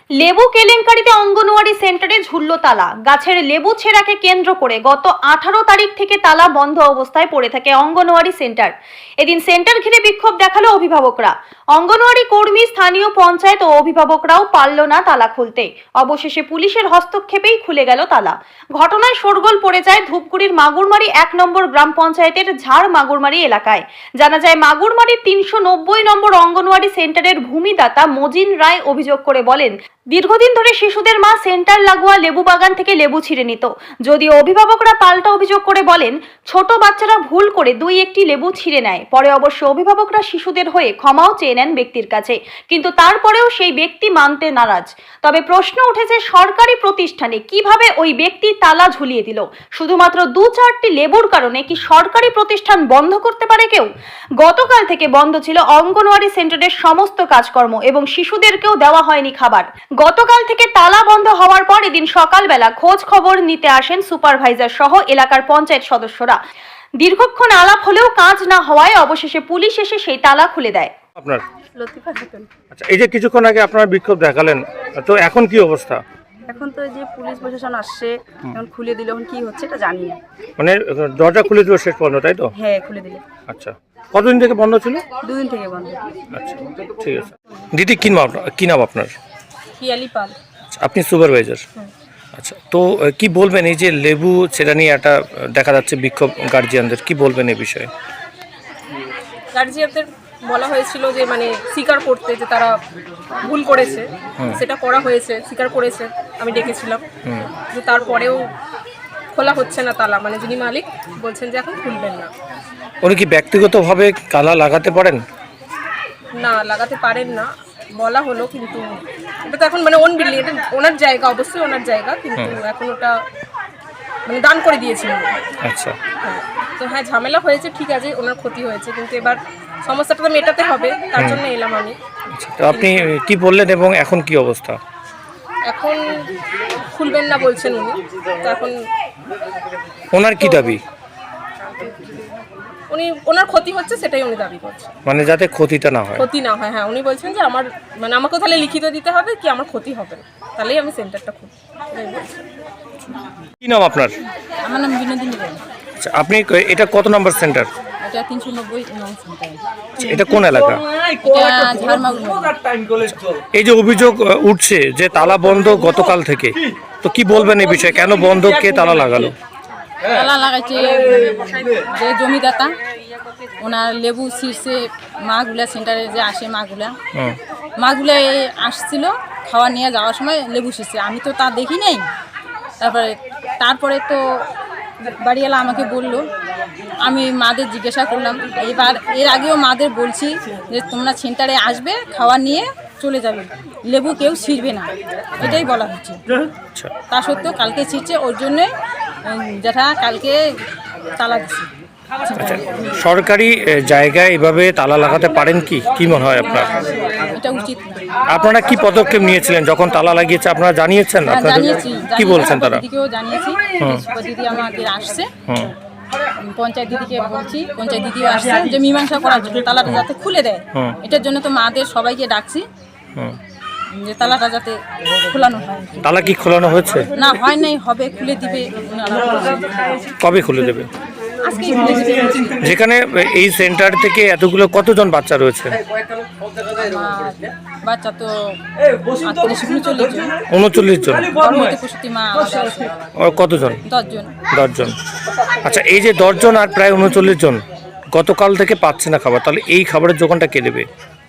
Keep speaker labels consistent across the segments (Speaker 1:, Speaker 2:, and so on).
Speaker 1: লেবু কেলেঙ্কারিতে অঙ্গনওয়াড়ি সেন্টারে ঝুলল তালা। গাছের লেবু ছেঁড়াকে কেন্দ্র করে গত 18 তারিখ থেকে তালা বন্ধ অবস্থায় পড়ে থাকে অঙ্গনওয়াড়ি সেন্টার। এদিন সেন্টার ঘিরে বিক্ষোভ দেখালো অভিভাবকরা। অঙ্গনওয়াড়ি কর্মী, স্থানীয় পঞ্চায়েত ও অভিভাবকরাও পারল না তালা খুলতে। অবশেষে পুলিশের হস্তক্ষেপেই খুলে গেল তালা। ঘটনায় শোরগোল পড়ে যায় ধূপগুড়ির মাগুরমারি 1 নম্বর গ্রাম পঞ্চায়েতের ঝাড় মাগুরমারি এলাকায়। জানা যায়, মাগুরমারির 390 নম্বর অঙ্গনওয়াড়ি সেন্টারের ভূমিদাতা মজিন রায় অভিযোগ করে বলেন, দীর্ঘদিন ধরে শিশুদের মা সেন্টার লাগোয়া লেবু বাগান থেকে লেবু ছিঁড়ে নিত। যদিও অভিভাবকরা পাল্টা অভিযোগ করে বলেন, ছোট বাচ্চারা ভুল করে 2-1টি লেবু ছিঁড়ে নেয়। পরে অবশ্য অভিভাবকরা শিশুদের হয়ে ক্ষমাও চেয়ে নেন ব্যক্তির কাছে, কিন্তু তারপরেও সেই ব্যক্তি মানতে নারাজ। তবে প্রশ্ন উঠেছে, সরকারি প্রতিষ্ঠানে কিভাবে ওই ব্যক্তি তালা ঝুলিয়ে দিল? শুধুমাত্র 2-4টি লেবুর কারণে কি সরকারি প্রতিষ্ঠান বন্ধ করতে পারে কেউ? গতকাল থেকে বন্ধ ছিল অঙ্গনওয়াড়ি সেন্টারের সমস্ত কাজকর্ম এবং শিশুদেরকেও দেওয়া হয়নি খাবার। গতকাল থেকে তালা বন্ধ হওয়ার পর এদিন সকালবেলা খোঁজ খবর নিতে আসেন সুপারভাইজার সহ এলাকার পঞ্চায়েত সদস্যরা। দীর্ঘক্ষণ আলাপ হলেও কাজ না হওয়ায় অবশেষে পুলিশ এসে সেই তালা খুলে দেয়।
Speaker 2: আপনার
Speaker 3: লতিফা খাতুন।
Speaker 2: আচ্ছা, এই যে কিছুক্ষণ আগে আপনার বিক্ষোভ দেখালেন, তো এখন কি অবস্থা?
Speaker 3: এখন তো এই যে পুলিশ প্রশাসন আসছে, এখন খুলে দিল, এখন কি হচ্ছে এটা জানি না।
Speaker 2: মানে দরজা খুলে দিল শেষ পর্যন্ত, তাই তো?
Speaker 3: হ্যাঁ, খুলে দিলে।
Speaker 2: আচ্ছা, কতদিন থেকে বন্ধ ছিল?
Speaker 3: 2 দিন থেকে বন্ধ।
Speaker 2: আচ্ছা, ঠিক আছে। দিদি, কি নাম আপনার?
Speaker 3: পিয়ালি পাল।
Speaker 2: আচ্ছা, আপনি সুপারভাইজার। আচ্ছা, তো কি বলবেন এই যে লেবু ছেঁড়া নিয়ে একটা দেখা যাচ্ছে বিক্ষোভ গার্জিয়ানদের, কি বলবেন এই বিষয়ে?
Speaker 4: গার্জিয়ানদের বলা হয়েছিল যে মানে স্বীকার করতে, যে তারা ভুল করেছে, সেটা করা হয়েছে, স্বীকার করেছে, আমি ডেকেছিলাম। কিন্তু তারপরেও খোলা হচ্ছে না তালা, মানে যিনি মালিক বলছেন যে এখন খুলবেন না।
Speaker 2: উনি কি ব্যক্তিগতভাবে তালা লাগাতে পারেন?
Speaker 4: না, লাগাতে পারেন না বলা হলো, কিন্তু এটা তো এখন মানে ওন বিল্ডিং, এটা ওনার জায়গা, অবশ্যই ওনার জায়গা, কিন্তু এখন ওটা মানে দান করে দিয়েছিলেন।
Speaker 2: আচ্ছা,
Speaker 4: হ্যাঁ, তো হ্যাঁ, ঝামেলা হয়েছে, ঠিক আছে, ওনার ক্ষতি হয়েছে, কিন্তু এবার সমস্যাটা তো মেটাতে হবে, তার জন্য এলাম আমি।
Speaker 2: আচ্ছা, তো আপনি কি বললেন এবং এখন কি অবস্থা?
Speaker 4: এখন খুলবেন না বলছেন উনি, তো এখন
Speaker 2: ওনার কি দাবি?
Speaker 4: ওনার ক্ষতি হচ্ছে, সেটাই উনি দাবি করছেন,
Speaker 2: মানে যাতে ক্ষতিটা না হয়।
Speaker 4: ক্ষতি না হয়। হ্যাঁ, উনি বলছেন যে আমার মানে আমাকে তাহলে লিখিত দিতে হবে কি আমার ক্ষতি হবে না, তাহলেই আমি সেন্টারটা খুলব।
Speaker 2: কি নাম আপনার?
Speaker 3: আমার নাম বিনোদিনী রায়।
Speaker 2: আচ্ছা, আপনি এটা কত নম্বর সেন্টার?
Speaker 3: এটা 390 নং সেন্টার।
Speaker 2: আচ্ছা, এটা কোন এলাকা?
Speaker 3: এটা ঝাড় মাগুরমারি।
Speaker 2: এই যে অভিযোগ উঠছে যে তালা বন্ধ গতকাল থেকে, তো কি বলবেন এই বিষয়ে? কেন বন্ধ, কে তালা লাগালো?
Speaker 3: তালা লাগাইছে যে জমিদাতা, ওনার লেবু শীর্ষে মাগুলা সেন্টারে যে আসে মাগুলা আসছিল খাওয়া নিয়ে যাওয়ার সময় লেবু শীর্ষে, আমি তো তা দেখি নাই। তারপরে তো বাড়িওয়ালা আমাকে বললো, আমি মাদের জিজ্ঞাসা করলাম। এবার এর আগেও মাদের বলছি যে তোমরা সেন্টারে আসবে, খাওয়া নিয়ে চলে যাবে, লেবু কেউ ছিঁড়বে না, এটাই বলা হচ্ছে। তা সত্ত্বেও কালকে ছিঁড়ছে, ওর জন্যে যেটা কালকে তালা দিচ্ছে।
Speaker 2: আচ্ছা, সরকারি জায়গায় এভাবে তালা লাগাতে পারেন কি? কি মনে হয় আপনার?
Speaker 3: এটা উচিত না।
Speaker 2: আপনারা কি পদক্ষেপ নিয়েছিলেন যখন তালা লাগিয়েছে? আপনারা জানিয়েছেন? আপনাদের কি বলছেন তারা?
Speaker 3: দিদিকেও জানিয়েছি, দিদি আমাদের আসছে, পঞ্চায়েত দিদিকে বলছি, পঞ্চায়েত দিদিও আসছে যে মীমাংসা করার জন্য, তালাটা যাতে খুলে দেয়। এটার জন্য তো মাদের সবাইকে ডাকছি যে তালাটা যাতে খোলানো হয়।
Speaker 2: তালা কি খোলানো হয়েছে?
Speaker 3: না, হয় নাই, হবে, খুলে দিবে।
Speaker 2: কবে খুলে দেবে?
Speaker 3: আজকেই খুলে দিবে।
Speaker 2: যেখানে এই সেন্টার থেকে এতগুলো কতজন বাচ্চা রয়েছে?
Speaker 3: বাচ্চা তো 39-39 জন।
Speaker 2: 39 জন।
Speaker 3: গর্ভবতী প্রসূতি মা
Speaker 2: কতজন?
Speaker 3: 10 জন।
Speaker 2: 10 জন। আচ্ছা, এই যে 10 জন আর প্রায় 39 জন গতকাল থেকে পাচ্ছে না খাবার, তাহলে এই খাবারের যোগানটা কে দেবে?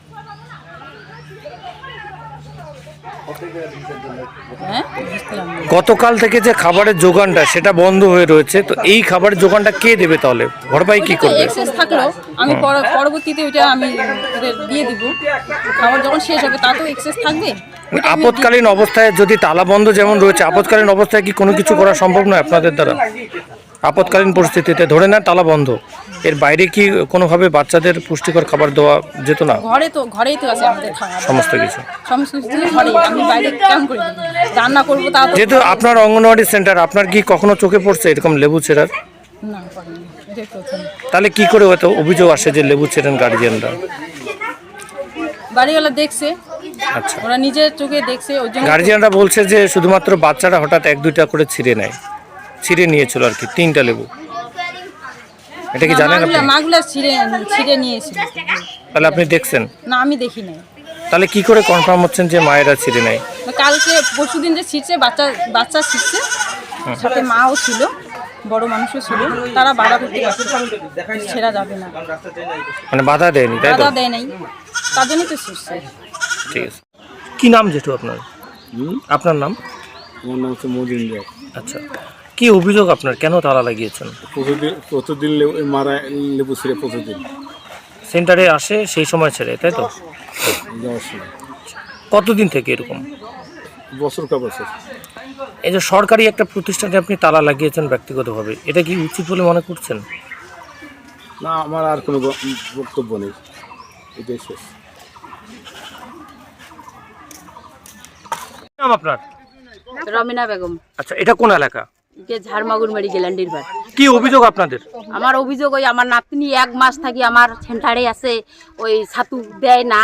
Speaker 3: হ্যাঁ,
Speaker 2: গতকাল থেকে যে খাবারের যোগানটা সেটা বন্ধ হয়ে রয়েছে, তো এই খাবারের যোগানটা কে দেবে তাহলে? ভরপাই কি করবে?
Speaker 3: এক্সেস থাকলো আমি পরবর্তীতে ওইটা আমি ওদের দিয়ে দিব। খাবার যখন শেষ হবে তা তো এক্সেস থাকবে।
Speaker 2: আপৎকালীন অবস্থায় যদি তালা বন্ধ যেমন রয়েছে, আপৎকালীন অবস্থায় কি কোনো কিছু করা সম্ভব নয় আপনাদের দ্বারা? আপৎকালীন পরিস্থিতিতে ধরে না তালা বন্ধ, এর বাইরে কি কোনোভাবে বাচ্চাদের পুষ্টিকর খাবার দেওয়া যেত না?
Speaker 3: ঘরেই তো আছে আমাদের খাবার,
Speaker 2: সমস্ত কিছু
Speaker 3: ঘরে। আমি বাইরে কেমন করে রান্না করবো? তা
Speaker 2: যেহেতু আপনার অঙ্গনওয়াড়ি সেন্টার, আপনার কি কখনো চোখে পড়ছে এরকম লেবু ছেঁড়ার?
Speaker 3: না, এটাই প্রথম।
Speaker 2: তাহলে কি করে হয়তো অভিযোগ আসে যে লেবু ছেড়েন গার্জিয়ানরা?
Speaker 3: বাড়িওয়ালা দেখছে,
Speaker 2: আচ্ছা,
Speaker 3: ওরা নিজের চোখে দেখছে, ওই জন্য
Speaker 2: গার্জিয়ানরা বলছে যে শুধুমাত্র বাচ্চারা হঠাৎ 1-2টা করে ছিঁড়ে নিয়েছিল আর কি, 3টা লেবু। এটা কি জানেন আপনি?
Speaker 3: মাগুলা ছিঁড়ে নিয়েছিল।
Speaker 2: তাহলে আপনি দেখছেন?
Speaker 3: না, আমি দেখি নাই।
Speaker 2: তাহলে কি করে কনফার্ম হচ্ছেন যে মায়েরা ছিঁড়ে নেয়?
Speaker 3: কালকে পরশুদিন যে ছিঁড়ছে, বাচ্চা ছিঁড়ছে, সাথে মাও ছিল, বড় মানুষও ছিল, তারা বাধা করতে ছেড়া যাবে না,
Speaker 2: মানে বাধা দেয়নি, তাই তো?
Speaker 3: বাধা দেয় নাই, তার জন্যই তো ছিঁড়ছে।
Speaker 2: ঠিক আছে। কি নাম জেঠু আপনার? আপনার নাম?
Speaker 5: আমার নাম হচ্ছে মজিন রায়।
Speaker 2: আচ্ছা, কি অভিযোগ আপনার, কেন তালা লাগিয়েছেন?
Speaker 5: প্রতিদিন মারা লেবু ছিঁড়ে প্রতিদিন
Speaker 2: সেন্টারে আসে, সেই সময় ছেড়ে, তাই তো?
Speaker 5: যাওয়ার সময়।
Speaker 2: কতদিন থেকে এরকম?
Speaker 5: বছর কা বছর।
Speaker 2: এই যে সরকারি একটা প্রতিষ্ঠানে আপনি তালা লাগিয়েছেন ব্যক্তিগতভাবে, এটা কি উচিত বলে মনে করছেন?
Speaker 5: না, আমার আর কোনো বক্তব্য নেই, এটাই শেষ।
Speaker 2: কি নাম আপনার?
Speaker 6: রমিনা বেগম,
Speaker 2: আচ্ছা, এটা কোন এলাকা?
Speaker 6: যে ঝাড়মাগুর মেডিকেল অ্যান্ডিরবার।
Speaker 2: কি অভিযোগ আপনাদের?
Speaker 6: আমার অভিযোগ, ওই আমার নাতনি 1 মাস থাকি আমার সেন্টারে আছে, ওই ছাতু দেয় না,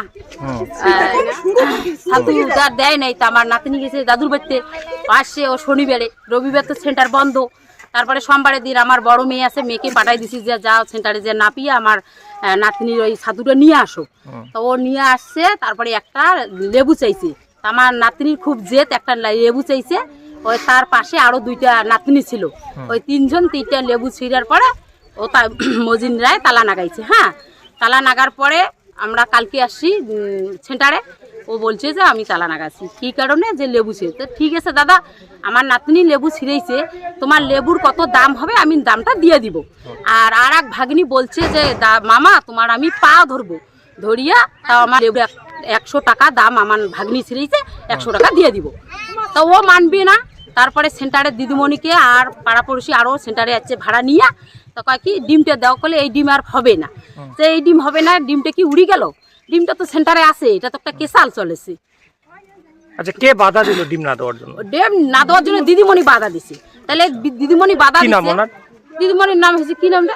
Speaker 6: ছাতু তার দেয় নাই। তা আমার নাতনি গেছে দাদুর বাড়িতে, আসছে ও শনিবারে, রবিবার তো সেন্টার বন্ধ। তারপরে সোমবারের দিন আমার বড় মেয়ে আছে, মেয়েকে পাঠাই দিছি যে যাও সেন্টারে যে না পিয়ে আমার নাতনির ওই ছাতুটা নিয়ে আসো। তো ও নিয়ে আসছে, তারপরে একটা লেবু চাইছে। তা আমার নাতনির খুব জেদ, একটা লেবু চাইছে। ওই তার পাশে আরো 2টা নাতনি ছিল, ওই 3জন 3টা লেবু ছিঁড়ার পরে ও তা মজিন রায় তালা নাগাইছে। হ্যাঁ, তালা নাগার পরে আমরা কালকে আসছি সেন্টারে, ও বলছে যে আমি তালা নাগাছি, কী কারণে, যে লেবু ছিঁড়ে। তো ঠিক আছে দাদা, আমার নাতনি লেবু ছিঁড়েছে, তোমার লেবুর কত দাম হবে আমি দামটা দিয়ে দিব। আর এক ভাগ্নি বলছে যে মামা তোমার আমি পা ধরবো, ধরিয়া তাও আমার লেবু 100 টাকা দাম, আমার ভাগ্নি ছিঁড়েছে, 100 টাকা দিয়ে দিব। তো ও মানবে না। তারপরে সেন্টারের দিদিমণিকে আর পাড়াপড়শি আরও সেন্টারে যাচ্ছে ভাড়া নিয়ে, তো কয় কি ডিমটা দেওয়া করলে এই ডিম আর হবে না, যে এই ডিম হবে না, ডিমটা কি উড়ি গেল, ডিমটা তো সেন্টারে আছে, এটা তো একটা কেসাল চলেছে।
Speaker 2: আচ্ছা, কে বাধা দিল ডিম না দেওয়ার জন্য?
Speaker 6: ডিম না দেওয়ার জন্য দিদিমণি বাধা দিছে। তাহলে দিদিমণি বাধা
Speaker 2: কি নাম
Speaker 6: দিছে,
Speaker 2: ওনার?
Speaker 6: দিদিমণির নাম হচ্ছে কি নামটা,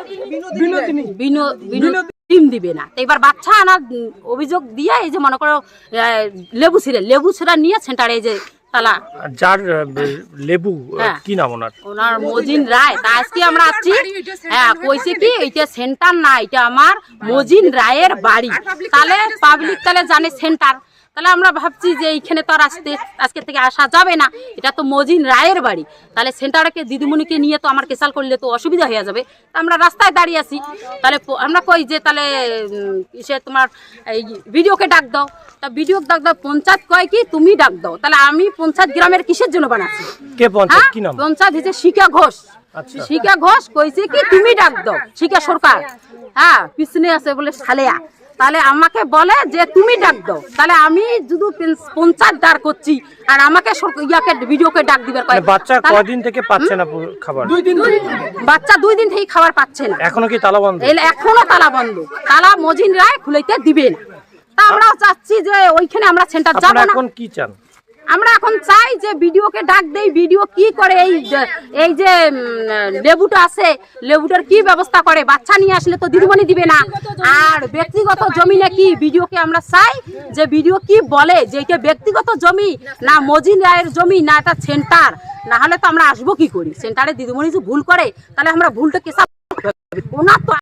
Speaker 6: বিনোদিনী। ডিম দিবে না, তো এবার বাচ্চা আনা অভিযোগ দিয়ে এই যে মনে করো লেবু ছিঁড়া নিয়ে সেন্টারে এই যে তালা।
Speaker 2: যার লেবু,
Speaker 6: হ্যাঁ।
Speaker 2: কি নাম ওনার?
Speaker 6: ওনার মজিন রায়। তা আজকে আমরা আছি, হ্যাঁ, কইছে কি এটা সেন্টার না, এটা আমার মজিন রায়ের বাড়ি। তাহলে পাবলিক তাহলে জানে সেন্টার, তাহলে আমরা ভাবছি যে এইখানে তো আর আজকে থেকে আসা যাবে না, এটা তো মজিন রায়ের বাড়ি। তাহলে সেন্টারকে দিদিমণিকে নিয়ে তো আমার কেসাল করলে তো অসুবিধা হয়ে যাবে। তা আমরা রাস্তায় দাঁড়িয়ে আছি, তাহলে আমরা কই যে তাহলে সে তোমার এই ভিডিওকে ডাক দাও। তা ভিডিও ডাক দাও, পঞ্চায়েত কয় কি তুমি ডাক দাও। তাহলে আমি পঞ্চায়েত গ্রামের কিসের জন্য বানাচ্ছি?
Speaker 2: কে পঞ্চায়েত, কি নাম?
Speaker 6: পঞ্চায়েত হচ্ছে শিকা ঘোষ।
Speaker 2: আচ্ছা।
Speaker 6: শিকা ঘোষ কইছে কি তুমি ডাক দাও, শিকা সরকার, হ্যাঁ, পিছনে আছে বলে সালেয়া। তাহলে আমাকে বলে যে তুমি ডাক দাও। তাহলে আমি যদি পঞ্চায়েত দাঁড় করছি আর আমাকে ভিডিওকে ডাক দিবার কয়।
Speaker 2: বাচ্চা কয়দিন থেকে পাচ্ছে না খাবার?
Speaker 6: বাচ্চা 2 দিন থেকে খাবার পাচ্ছে না।
Speaker 2: এখনো কি তালা বন্ধ?
Speaker 6: এখনো তালা বন্ধ, তালা মজিন রায় খুলাইতে দিবে না। তা আমরা চাচ্ছি যে ওইখানে আমরা সেন্টার যাব না।
Speaker 2: এখন কি চান?
Speaker 6: আমরা এখন চাই যে ভিডিওকে ডাক দেই, ভিডিও কি করে, এই যে লেবুটা আছে, লেবুটার কি ব্যবস্থা করে। বাচ্চা নিয়ে আসলে তো দিদিমণি দিবে না। আর ব্যক্তিগত জমি নাকি, ভিডিওকে আমরা চাই যে ভিডিও কি বলে, যে এটা ব্যক্তিগত জমি না মজিন রায়ের জমি, না এটা সেন্টার। না হলে তো আমরা আসবো কি করি? সেন্টারে দিদিমণি যদি ভুল করে তাহলে আমরা ভুলটা কেসা, ওনার তো